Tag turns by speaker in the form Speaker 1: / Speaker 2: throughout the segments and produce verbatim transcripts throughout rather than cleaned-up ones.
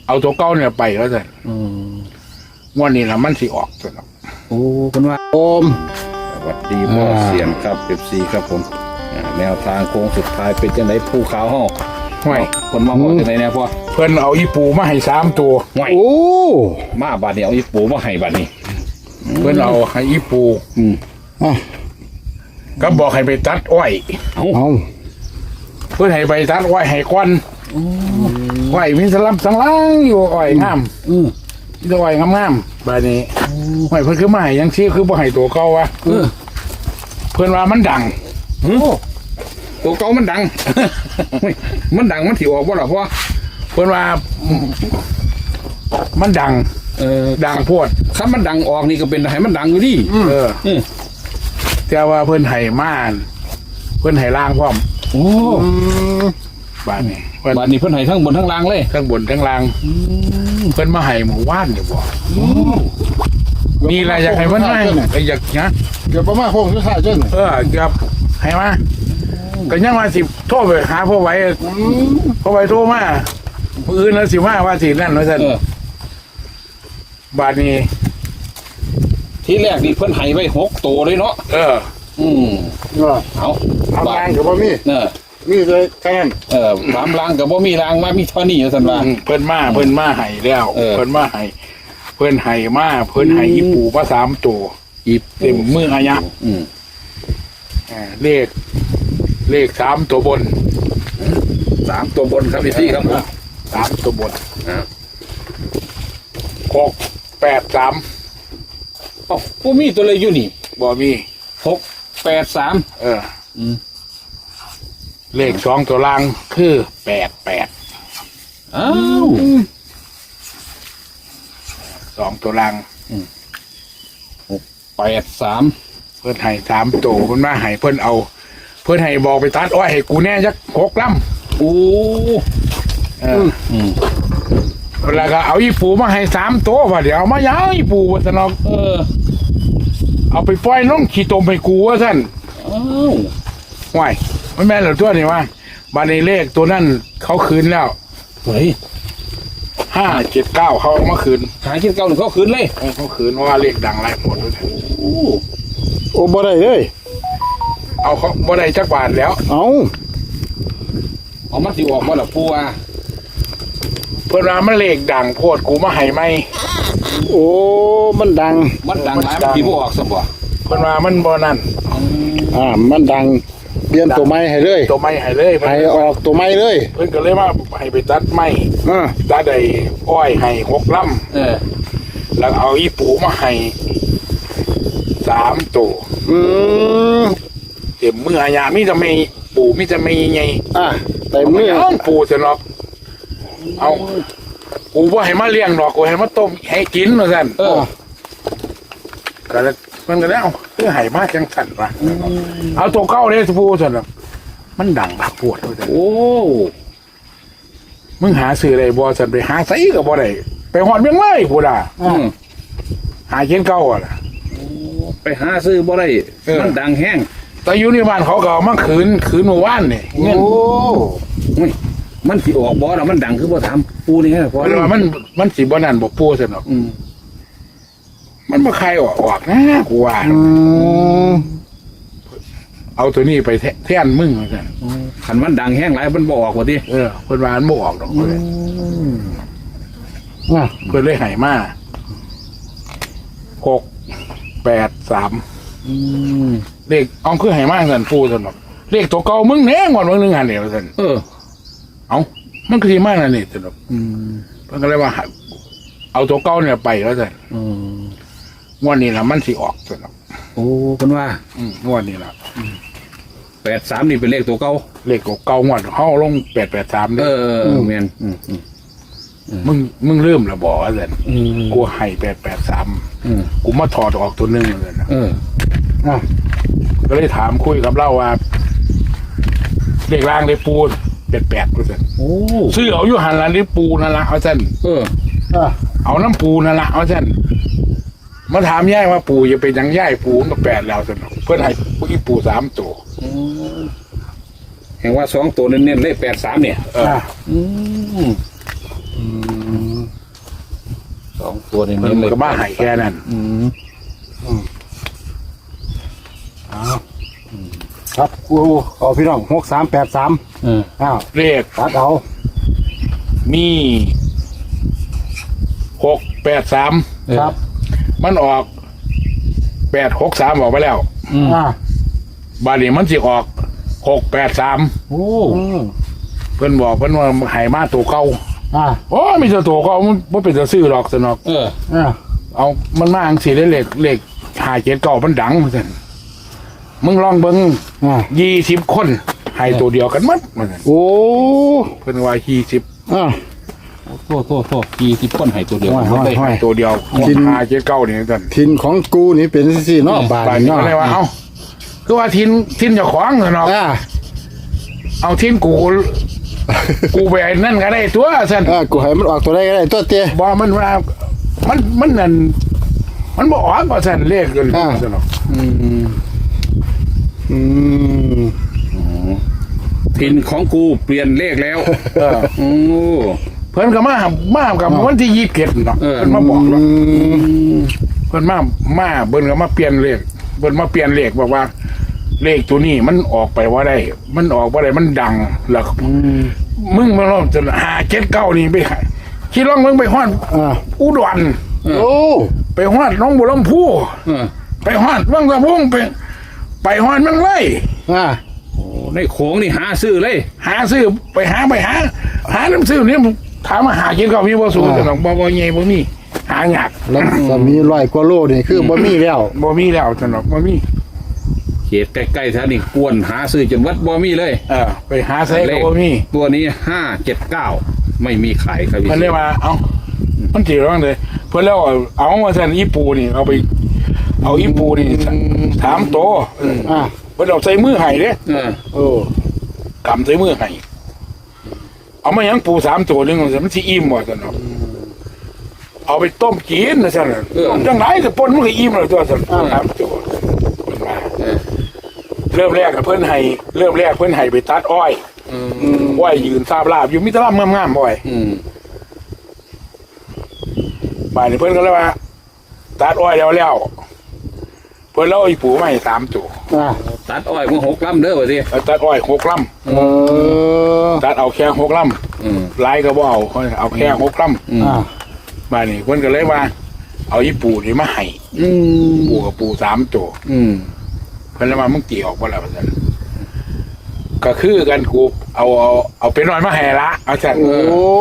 Speaker 1: เอาตัวเก่าเนี่ยไปแล้วสิ
Speaker 2: อืม
Speaker 1: วันนี้ละมันสิออกสิเนาะ
Speaker 2: โอ้คนว่าโอมสวัสดีพ่อเสียงครับเอฟซีครับผมอ่าแนวทางโค้งสุดท้ายเป็นจังไดภูเขาห้อง
Speaker 1: ห่วย
Speaker 2: คนมาบอกจังไดเนี่ยพ่อ
Speaker 1: เพิ่นเอาอีปูมาให้สามตัว
Speaker 2: ห่วย
Speaker 3: โอ้
Speaker 2: มาบาดนี้เอาอีปูมาให้บาดนี้
Speaker 1: เพิ่นเอาให้อีปู
Speaker 2: อืม
Speaker 3: อ่ะ
Speaker 1: ก็บอกให้ไปตัดอ้อย
Speaker 2: เอา
Speaker 3: เอา
Speaker 1: เพิ่นให้ไปตัดอ้อยให้ควันอ้อยมีสลับสังลังอยู่อ้อยงาม
Speaker 2: อืม
Speaker 1: มีแต่อ้อยงามๆบาดนี้ห้วยเพิ่นคือมาให้ยังซี่คือบ่ให้ตัวเก่าวะ
Speaker 2: เออ
Speaker 1: เพิ่นว่ามันดัง
Speaker 2: โอ้ตัวเก่ามันดัง เฮ้ยมันดังมันถิออกบ่ล่ะพ่อ
Speaker 1: เพิ่นว่ามันดัง
Speaker 2: เออ
Speaker 1: ดังโพด
Speaker 2: ถ้ามันดังออกนี่ก็เป็นให้มันดังอยู่ดิ
Speaker 1: เออ
Speaker 2: เออ
Speaker 1: แต่ว่าเพิ่นให้ม่านเพิ่นให้ล่างพร้อม
Speaker 2: โอ้
Speaker 3: อืม
Speaker 1: บาดนี้เพิ่น
Speaker 2: บาดนี้เพิ่นให้ทั้งบนทั้งล่างเลย
Speaker 1: ทั้งบนทั้งล่างเพิ่นมาให้หมู่บ้านอยู่บ่มีอะไรอยากให้มันให้ก็อยากนะ
Speaker 3: เดี๋ยวประมาณหกสิบห้าเจ้า
Speaker 1: เอออยากให้มาก็ยังว่าสิโทรไปหาพ่อไว้พ่อไว้โทรมามื้ออื่นแล้วสิมาว่าสินั่นว่าซั่น
Speaker 2: เออบ
Speaker 1: าดนี้
Speaker 2: ที่แรกนี่เพิ่นให้ไว้หกตัวเลยเนาะ
Speaker 1: เออ
Speaker 2: อืม
Speaker 3: เออ
Speaker 2: เอา
Speaker 3: เอา
Speaker 2: บา
Speaker 3: แร
Speaker 2: ด
Speaker 3: งกับบ่มี
Speaker 2: เออ
Speaker 3: มีเลยแค่นั้น
Speaker 2: เออสามล่างกับบ่มีล่างมามีเท่านี้ว่าซั่นว่า
Speaker 1: อืมเพิ่นมาเพิ่นมาให้แล้ว
Speaker 2: เออ
Speaker 1: เพิ่นมาให้เพิ่นให้มาเพิ่นให้อีปูมาสามตัว
Speaker 2: อีบ
Speaker 1: เต็มมืออายะ
Speaker 2: อืม
Speaker 1: อ่าเลข เลขสามตัวบน
Speaker 2: สามตัวบนครับพี่ครับผม
Speaker 1: สามตัวบน
Speaker 2: อ่า
Speaker 1: หกแปดสาม
Speaker 2: เอ้าบ่มีตัวเลยอยู่นี่
Speaker 1: บ่มี
Speaker 2: หกแปดสาม
Speaker 1: เออ
Speaker 2: อืม
Speaker 1: เลขสองตัวล่างคือแปดแปด
Speaker 2: อ้าว
Speaker 1: สองตัวล่าง
Speaker 2: แปดสาม
Speaker 1: เพิ่นให้สามตัวเพิ่นมาให้เพิ่นเอา เพิ่นให้บอกไปตัดอ้อยให้กูแน่จักหกล
Speaker 2: โอ้
Speaker 1: ำเออ
Speaker 2: อืม
Speaker 1: แล้วก็เอาอีปูมาให้สามตัวว่าเดี๋ยวเอามาย้ายอีปูว่าซั่นเนาะ
Speaker 2: เออ
Speaker 1: เอาไปปล่อยลงขี้ตมให้กูว่าซั่น
Speaker 2: อ้าว
Speaker 1: ห่วยมันแม่นเหรอตัวนี่ว่าบานในเลขตัวนั้นเขาคืนแล้ว
Speaker 2: เฮ้ย
Speaker 1: ห้าเจ็ดเก้าเขาเอามาคืน
Speaker 2: หาคิดเก่าหนึ่งเขาคืนเลย
Speaker 1: เออเขาคืนเพราะว่าเลขดังหลายหมดเลย
Speaker 2: โอ้
Speaker 3: โอ้บ่ได้เลย
Speaker 1: เอาเขาบ่ได้จักบาทแล้ว
Speaker 3: เอา
Speaker 2: เอามาสิออกมาละปูว่า
Speaker 1: เพื่อนว่ามันเลขดังโพดกูมาให้ไหม
Speaker 3: โอ้มันดัง
Speaker 2: มันดังหลายมันดีบ่ออกสมบ่
Speaker 1: เพื่อนว่ามันบ่นั่น
Speaker 3: อ่ามันดังเปลี่ยนตัวไม้ให้เลย
Speaker 1: ตัวไม้ให้เลยเพิ่น
Speaker 3: ให้ออกตัวไม้เลย
Speaker 1: เพื่อนก็เลยว่าให้ไปตัดไม้
Speaker 3: อ่า
Speaker 1: ตัดได้อ้อยให้หกล
Speaker 2: เออ
Speaker 1: ำแล้วเอาอีปูมาให้สามตัว
Speaker 3: อืม
Speaker 1: เต็มมืออาญามีจะไม่ปูมีจะไม่ไง
Speaker 3: อ่ะแต่
Speaker 1: เอา
Speaker 3: เมื่อ
Speaker 1: เอาปูจะนอกเอากูว่าให้มาเลี้ยงดอกกูให้มาต้มให้กินว่าซั่น
Speaker 2: เออ
Speaker 1: ก็เลยมันก็แล้วเพื่อให้มาจังสั่นวะเอาตัวเก้าเลยสิพูดสั่นน่ะมันดังบักปวดว่าซั่น
Speaker 2: โอ้
Speaker 1: มึงหาซื้ออะไรบ่สั่นไปหาไสก็บ่ได้ไปหอดเมียงเลยพูดอ่ะ
Speaker 2: อืม
Speaker 1: หาเขียนเก้าอ่ะล่ะ
Speaker 2: ไปหาซื้อบ่ได้
Speaker 1: เออ
Speaker 2: มันดังแห้ง
Speaker 1: แต่อยู่ในบ้านเขาก็เอามาคืนคืนเมื่อวานนี่เงิน
Speaker 3: โอ้
Speaker 2: อุ้ยมันสิออกบ่แล้วมันดังคือบ่ถามปูนี่ฮะพอ
Speaker 1: เพราะว่ามันมันสิบ่นั่นบ่ปูซั่นหรอก
Speaker 2: อืม
Speaker 1: มันบ่ใครออกออกนะกูว่า
Speaker 3: อืม
Speaker 1: เอาตัวนี้ไปแทแทนมึงว่าซั่น
Speaker 2: คันมันดังแห้งหลายมันบ่ออกว่าติ
Speaker 1: เออเพิ่นว่ามันบ่ออกดอกเพิ่นเลย
Speaker 3: อ่ะ
Speaker 1: เพิ่นเลยให้มาหกแปดสาม
Speaker 2: อืม
Speaker 1: เลขเอาคือให้มาสั่นปูสั่นหรอกเลขตัวเก่ามึงแน่งอนมึงนึงหันเดียวสั่น
Speaker 2: เออ
Speaker 1: เอามันคือที่มานั่นนี่สั่นหรอก
Speaker 2: อืม
Speaker 1: เพิ่นก็เลยว่า เอาตัวเก่าเนี่ยไปแล้วสั่น
Speaker 2: อืม
Speaker 1: งวดนี้ละมันสิออกสั่นหรอก
Speaker 2: โอ้เพิ่นว่า
Speaker 1: อืมงวดนี้ละ
Speaker 2: แปดสามนี่เป็นเลขตัวเก่า
Speaker 1: เลขตัวเก่างวดเฮาลงแปดแปดสาม
Speaker 2: เอ
Speaker 1: เด้อ
Speaker 2: อเออแม่นอืมอืม
Speaker 1: มึงมึงเริ่มและบอกว่าสั่น
Speaker 2: อืม
Speaker 1: กูให้แปดแปดสาม
Speaker 2: อืม
Speaker 1: กูมาถอดออกตัวหนึงเลยนะ
Speaker 2: เออ
Speaker 3: อ่ะ
Speaker 1: ก็เลยถามคุยกับเล่าว่าเลขล่างเลขปูแปดแปดว่าสั่น
Speaker 2: โอ้
Speaker 1: ซื้อเอาอยู่หันละเลขปูนั่นละเอาสั่น
Speaker 2: เออ
Speaker 3: อ่ะ
Speaker 1: เอาน้ำปูนั่นละเอาสั่นมาถามย่ายว่าปูจะเป็นหยังย่ายปูมันก็แปดแล้วสั่นเพื่อนให้ปูอีปูสามตัว
Speaker 2: เห็นว่าสองตัวเน้นๆเลขแปดสามเนี่ย
Speaker 1: เออ
Speaker 3: อ่ะ
Speaker 2: อืม
Speaker 3: อืม
Speaker 2: องตัวนี่
Speaker 1: เพิ่
Speaker 2: เน้น
Speaker 1: น
Speaker 2: เลย
Speaker 1: ก็มาให้แค่นั้น
Speaker 2: อืม
Speaker 3: อ้าวครับกูเอาพี่น้องหกสามแปดสาม
Speaker 2: เออ
Speaker 3: อ้าว
Speaker 1: เลข
Speaker 3: ตัดเอา
Speaker 1: มีหกแปดสาม
Speaker 3: ครับ
Speaker 1: มันออกแปดหกสามออกไปแล้ว
Speaker 2: อืม
Speaker 3: อ่า
Speaker 1: บาดนี้มันสิออกหกแปดสาม
Speaker 2: โอ้
Speaker 3: อืม
Speaker 1: เพิ่นบอกเพิ่นว่าให้มาตัวเก่า
Speaker 3: อ่า
Speaker 1: โอ้มีแต่ตัวเก่ามันบ่เป็นจะซื้อหรอกสนอก
Speaker 2: เออ
Speaker 3: อ่า
Speaker 1: เอามันมาอังสีได้เลขเลขหาเจ็ดเก่ามันดังเหมือนกันมึงลองเบิ่ง
Speaker 3: อ่า
Speaker 1: ยี่สิบคนให้ตัวเดียวกันหมัดเหมือนกัน
Speaker 3: โอ้
Speaker 1: เพิ่นว่ายี่สิบ
Speaker 3: อ่า
Speaker 2: โทษโทษโทษกี่สิบคนให้ตัวเดียว
Speaker 3: โอ้ย
Speaker 2: หมดเลย
Speaker 3: โอ้ย
Speaker 1: ตัวเดียว
Speaker 3: กิน
Speaker 1: หาเจ็ดเก่านี่กัน
Speaker 3: ทินของกูนี่เป็นสี่เนาะบาท
Speaker 1: บาด
Speaker 3: นี่
Speaker 1: นี้
Speaker 3: เนาะ
Speaker 1: ก็เลยว่าเอ้าคือว่าทินทินเจ้าของสนอก
Speaker 3: อ่า
Speaker 1: เอาทินกู กูไปไอ้นั่นก็ได้ตัวสัน
Speaker 3: อ่ากูให้มันออกตัวได้ก็ได้ตัวเตี้ย
Speaker 1: บอกมันว่ามันมันนั่นมันบอกออกก็สันเลขกัน
Speaker 3: อ่า
Speaker 1: สนอก
Speaker 2: อืม
Speaker 3: อืม
Speaker 2: ทินของกูเปลี่ยนเลขแล้ว
Speaker 1: เออ
Speaker 2: โอ้
Speaker 1: เพิ่นก็มามากับวันที่ยี่สิบเจ็ดเนาะ
Speaker 2: เออ
Speaker 1: เพิ่นมาบอกเนาะ
Speaker 3: อืม
Speaker 1: เพิ่นมามาเพิ่นก็มาเปลี่ยนเลขเพิ่นมาเปลี่ยนเลขบอกว่า เลขตัวนี้มันออกไปว่าได้ มันออกว่าได้มันดังแล้ว
Speaker 3: อืม
Speaker 1: มึงมาลองจะหาเจ็ดเก้านี่ไปหาคิดลองมึงไปฮอด
Speaker 3: อ่า
Speaker 1: อุดร
Speaker 3: โอ้
Speaker 1: ไปฮอดหน้องบัวลำพู
Speaker 2: เออ
Speaker 1: ไปฮอดวังสะพุงไป ไปฮอดเมืองไร่
Speaker 3: อ่า
Speaker 2: โอ้ในโขงนี่หาซื้อเลย
Speaker 1: หาซื้อไปหาไปหา หาน้ำซื้อนี่ถามมาหาเจ็ดเก้ามีบ่สูงแต่หนองบ่บ่ใหญ่บ่มีหายาก
Speaker 3: แล้วก็มีร้อยกว่าโลนี่คือบ่มีแล้ว
Speaker 1: บ่มีแล้วแต่หนองบ่มี
Speaker 2: เขตใกล้ๆแถวนี้กวนหาซื้อจนวัดบ่มีเลย
Speaker 1: เออไปหาใส่ก็บ่มี
Speaker 2: ตัวนี้ห้าเจ็ดเก้าไม่มีขายครับพี่
Speaker 1: มันเรียกว่า เอ้ามันจีร้องเลยเพื่อนแล้วเอาเอามาสั่นอีปูนี่เอาไป เอาอีปูนี่ถามโตเออ
Speaker 3: อ่า
Speaker 1: เพื่อนเอาใส่มือไห้เด้
Speaker 2: เออ
Speaker 3: โอ้
Speaker 1: กำใส่มือไห้เอามายังปูสามตัวหนึงมันสิอิ่มบ่สั่นเนาะเอาไปต้มกินนะสั่นต้มจังไรแต่ปนมันก็อิ่มแล้วตัวสั่นสามตัวเพิ่นว่า
Speaker 2: เออ
Speaker 1: เริ่มแรกกับเพื่อนให้เริ่มแรกเพื่อนให้ไปตัดอ้อย
Speaker 2: อืม
Speaker 1: อ้อยยืนซาบลาบอยู่มิตรลาบงามๆอ้อย
Speaker 2: อืม
Speaker 1: บ่ายนี้เพื่อนก็เลยว่าตัดอ้อยแล้วแล้วเพื่อนเล่าอีปูมาให้สามตัว
Speaker 3: อ่า
Speaker 2: ตัดอ้อยมาหกลำเด้อวะสิ
Speaker 1: แล้วตัดอ้อยหกล
Speaker 3: เออ
Speaker 1: ำตัดเอาแค่หกล
Speaker 2: อืม
Speaker 1: ำลายก็บ่เอาเอาแค่หกล
Speaker 2: อืม
Speaker 3: อ่า
Speaker 1: ำบ่ายนี้เพื่อนก็เลยว่า เอาอีปูนี่มาให้
Speaker 2: อืม
Speaker 1: ปูกับปูสามตัว
Speaker 2: อืม
Speaker 1: เพื่อนเลยว่ามึงตีออกบ่แล้วว่าซั่นก็คือกันกูเอาเอาเอาเป็นน้อยมาให้ละเอาซั่น
Speaker 3: โอ้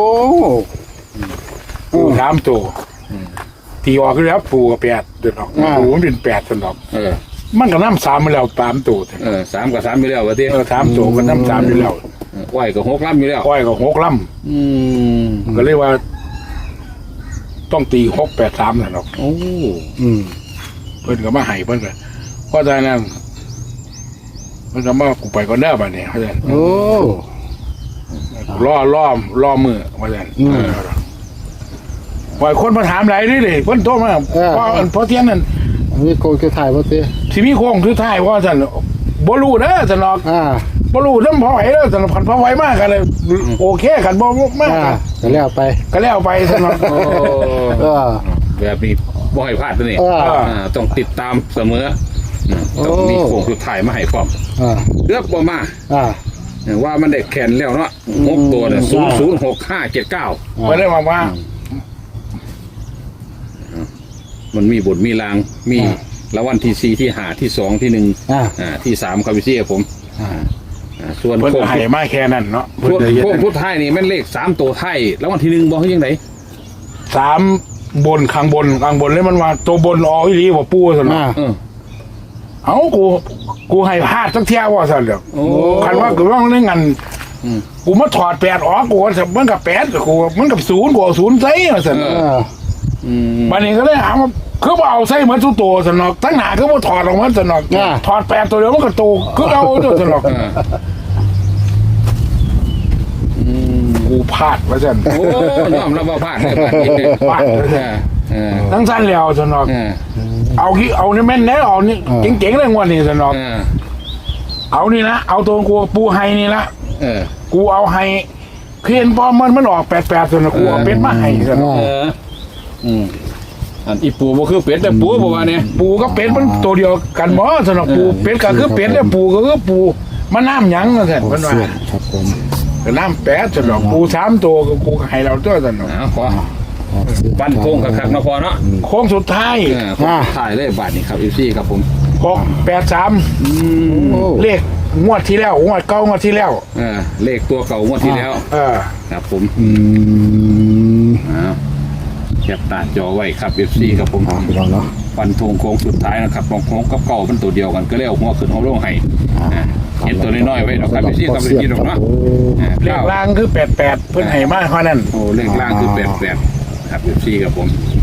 Speaker 1: ปูสามตัวตีออกคือแล้วปูกับแปดเดือดออกปูมันเป็นแปดสนอก
Speaker 2: เออ
Speaker 1: มันก็น้ำสามมาแล้วสามตัว
Speaker 2: เออสามกับสามไปแล้ววะสิ
Speaker 1: เออสามตัวก็น้ำสามอยู่แล้ว
Speaker 2: อ้อยกับหกลำอยู่แล้ว
Speaker 1: อ้อยก็หกล
Speaker 2: อืม
Speaker 1: ำก็เรียกว่า ต้องตีหกแปดสามสนอก
Speaker 2: โอ้
Speaker 3: อืม
Speaker 1: เพิ่นก็มาให้เพิ่นก็เพราะฉะนั้นเพิ่นก็มากูไปก่อนเด้อบัดนี้เพราะฉะนั้น
Speaker 3: โอ้
Speaker 1: ล่อล่อมล่อมือเพราะฉะนั้น
Speaker 3: อืม
Speaker 1: ปล่อยคนมาถามหลายนี่เลยเพิ่นโทรมา
Speaker 3: เออ
Speaker 1: เพราะเพราะเที่ยงนั้น
Speaker 3: อันนี้โกงจะถ่ายบ่เตี้ย
Speaker 1: สิมีโค้งสุดท้ายเพราะฉะนั้นบ่รู้เด้อสนอก
Speaker 3: อ่า
Speaker 1: บ่รู้นำพอไหวเด้อสนอกพันพอไหวมากกันเลยโอเคกันบ่มาก
Speaker 3: อ่าก็แล้วไป
Speaker 1: ก็แล้วไปสนอก
Speaker 2: โอ้
Speaker 3: เออ
Speaker 2: แบบนี้บ่ให้พลาดตัวนี้
Speaker 3: เออ
Speaker 2: อ่าต้องติดตามเสมออืมต้องมีโค้งสุดท้ายมาให้พร้อม
Speaker 3: อ่า
Speaker 2: เลือกบ่มา
Speaker 3: อ่า
Speaker 2: ว่ามันได้แขนแล้วเนาะหกตัวเนี่ยศูนย์ศูนย์หกห้าเจ็ดเก้า
Speaker 1: เพิ่นได้มาว่า
Speaker 2: มันมีบทมีรางมีละวันที่สี่ที่หาที่สองที่หนึ่ง
Speaker 3: อ่า
Speaker 2: อ่าที่สามครับพี่ซี่ผม
Speaker 3: อ่า
Speaker 2: อ่าส่วน
Speaker 1: เพิ่น
Speaker 2: โค้
Speaker 1: ก็
Speaker 2: ง
Speaker 1: ให้มาแค่นั้นเนาะเพิ่น
Speaker 2: พวก
Speaker 1: จะเฮ็ด
Speaker 2: พวกพุทธไทยนี่แม่นเลขสามตัวไทยแล้ววันที่หนึ่งบอกให้ยังไง
Speaker 1: สามบนข้างบนข้างบนเลยมันว่าตัวบนออกอีหลีบ่ปูซั่น
Speaker 3: อ่า
Speaker 1: เนาะ
Speaker 2: เออ
Speaker 1: เอ้ากูกูให้พลาดสักเที่ยวว่าซั่นเด้อ
Speaker 2: โอ้
Speaker 1: คันว่ากูว่าในงั้น
Speaker 2: อืม
Speaker 1: กูมาถอดแปดออกกูว่ามันกับแปดกูมันกับศูนย์กูเอาศูนย์ใส่ว่าซั่น
Speaker 2: เอ
Speaker 3: อ่า
Speaker 2: อืม
Speaker 1: บัดนี้ก็เลยถามว่าคือบ่เอาใส่เหมือนทุกตัวซั่นเนาะทั้งหน้าคือบ่ถอดออกมาซั่นเนาะถอดแปดตัวเดียวมันก็โตคือเอาตัวซั่นเนาะ
Speaker 2: เอออืม
Speaker 1: กูพลาดว่าซั่น
Speaker 2: โอ้ยอมรับว่าพลาดเลยพลาดจริงเลย
Speaker 1: พลาดว่า
Speaker 2: เอ
Speaker 1: ซั่น
Speaker 2: อเออ
Speaker 1: ทั้งสั้นแล้วซั่นเนาะ
Speaker 2: เออ
Speaker 1: เอาที่เอานี่แม่นแน่เอานี่เจ๋งๆเลยงวดนี้ซั่นเนาะ
Speaker 2: เออ
Speaker 1: เอานี่นะเอาตัวกูปูไฮนี่ละ
Speaker 2: เออ
Speaker 1: กูเอาไฮเพียนพอมันมันออกแปดแปดซั่นน่ะกูเอาเป็ดมาให้ซั่น
Speaker 2: เอออืมอันอีปูบ่คือเป็ดแต่ปูบ่ว่าเนี่ย
Speaker 1: ปูกับเป็ดมันตัวเดียวกันบ่สำหรับปูเป็ดก็คือเป็ดแล้วปูก็คือปูมันน้ำหยังนั่นแหละมันว่า
Speaker 3: ครับผม
Speaker 1: ก็น้ำแปดสำหรับปูสามตัวก็ปูก็ให้เราตัวสำหรับ
Speaker 2: อ้าวขอปั้นโค้งคักๆนะพอเนาะ
Speaker 1: โค้งสุดท้าย
Speaker 2: เออขอถ่ายเลยบาทนี่ครับ เอฟ ซี ครับผม
Speaker 1: หกแปดสาม
Speaker 2: อืม
Speaker 3: โอ้
Speaker 1: เลขงวดที่แล้วงวดเก้างวดที่แล้ว
Speaker 2: เออเลขตัวเก่างวดที่แล้ว
Speaker 1: เออ
Speaker 2: ครับผม
Speaker 3: อืม
Speaker 2: อ้าวแคปตาจอไว้ครับ เอฟ ซี ครับผม
Speaker 3: อ่าพี่น้องเนาะ
Speaker 2: ฟันธงโค้งสุดท้ายนะครับมองโค้งกับเก่ามันตัวเดียวกันก็เลยเอาหัวขึ้นเอาลงให้อ่าเห็นตัวน้อยๆไว้เนาะครับ เอฟ ซี ครับ เอฟ ซี เนาะอ่า
Speaker 1: เลข
Speaker 2: เก้า
Speaker 1: ล่างคือแปดแปดเพิ่นให้มาเท่านั้น
Speaker 2: โอ้เลขล่างคือแปดแปดครับ เอฟ ซี ครับผม